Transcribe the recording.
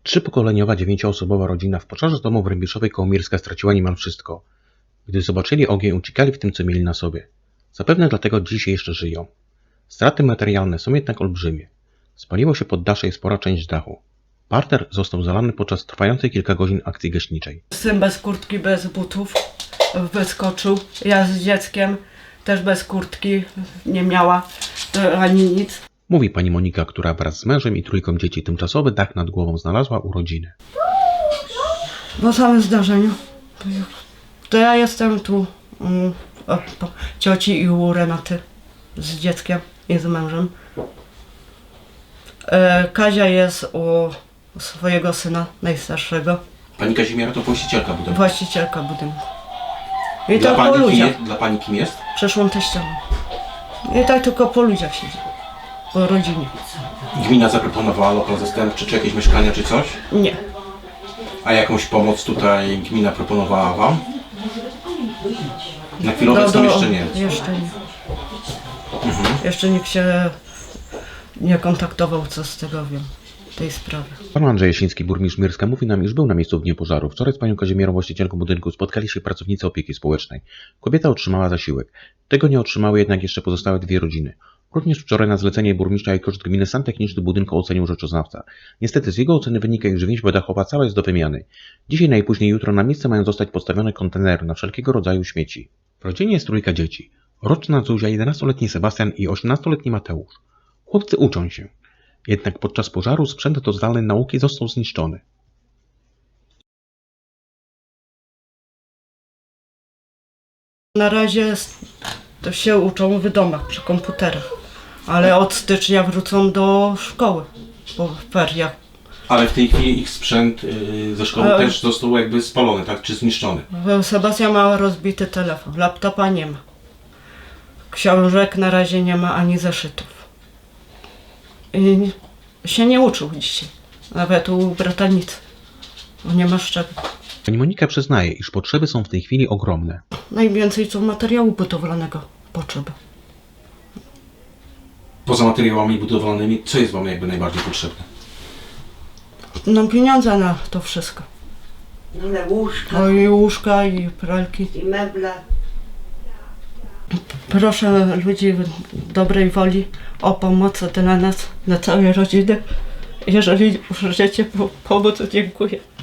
Trzypokoleniowa, 9-osobowa rodzina w pożarze domu w Rębiszowej koło Mirska straciła niemal wszystko. Gdy zobaczyli ogień, uciekali w tym, co mieli na sobie. Zapewne dlatego dziś jeszcze żyją. Straty materialne są jednak olbrzymie. Spaliło się poddasze i spora część dachu. Parter został zalany podczas trwającej kilka godzin akcji gaśniczej. Syn bez kurtki, bez butów wyskoczył. Ja z dzieckiem też bez kurtki nie miała ani nic. Mówi pani Monika, która wraz z mężem i trójką dzieci tymczasowy dach nad głową znalazła u rodziny. Po samym zdarzeniu to ja jestem tu po cioci i u Renaty z dzieckiem i z mężem. Kazia jest u swojego syna najstarszego. Pani Kazimiera to właścicielka budynku. Właścicielka budynku. I tak po ludziach. Dla pani kim jest? Przeszłą teściową. I tak tylko po ludziach siedzi. Po rodzinie. Gmina zaproponowała lokal zastępczy, czy jakieś mieszkania, czy coś? Nie. A jakąś pomoc tutaj gmina proponowała wam? Na chwilę obecną jeszcze nie. Jeszcze nie. Jeszcze nikt się nie kontaktował, co z tego wiem, tej sprawy. Pan Andrzej Jasiński, burmistrz Mirska, mówi nam, iż był na miejscu w dniu pożaru. Wczoraj z panią Kazimierą, właścicielką budynku, spotkali się pracownicy opieki społecznej. Kobieta otrzymała zasiłek. Tego nie otrzymały jednak jeszcze pozostałe dwie rodziny. Również wczoraj na zlecenie burmistrza i koszt gminy stan techniczny budynku ocenił rzeczoznawca. Niestety z jego oceny wynika, iż więźba dachowa cała jest do wymiany. Dzisiaj, najpóźniej jutro na miejsce mają zostać postawione kontenery na wszelkiego rodzaju śmieci. W rodzinie jest trójka dzieci. Roczna Zuzia, 11-letni Sebastian i 18-letni Mateusz. Chłopcy uczą się. Jednak podczas pożaru sprzęt do zdalnej nauki został zniszczony. Na razie to się uczą w domach, przy komputerach. Ale od stycznia wrócą do szkoły po feriach. Ale w tej chwili ich sprzęt ze szkoły też został jakby spalony, tak? Czy zniszczony? Sebastian ma rozbity telefon, laptopa nie ma. Książek na razie nie ma ani zeszytów. I się nie uczył dzisiaj. Nawet u bratanicy. Bo nie ma z czego. Pani Monika przyznaje, iż potrzeby są w tej chwili ogromne. Najwięcej co materiału budowlanego potrzeba. Poza materiałami budowlanymi, co jest wam jakby najbardziej potrzebne? No pieniądze na to wszystko. Łóżka O, i łóżka, i pralki. i meble. Proszę ludzi dobrej woli o pomoc dla nas, dla całej rodziny. Jeżeli możecie pomóc, to dziękuję.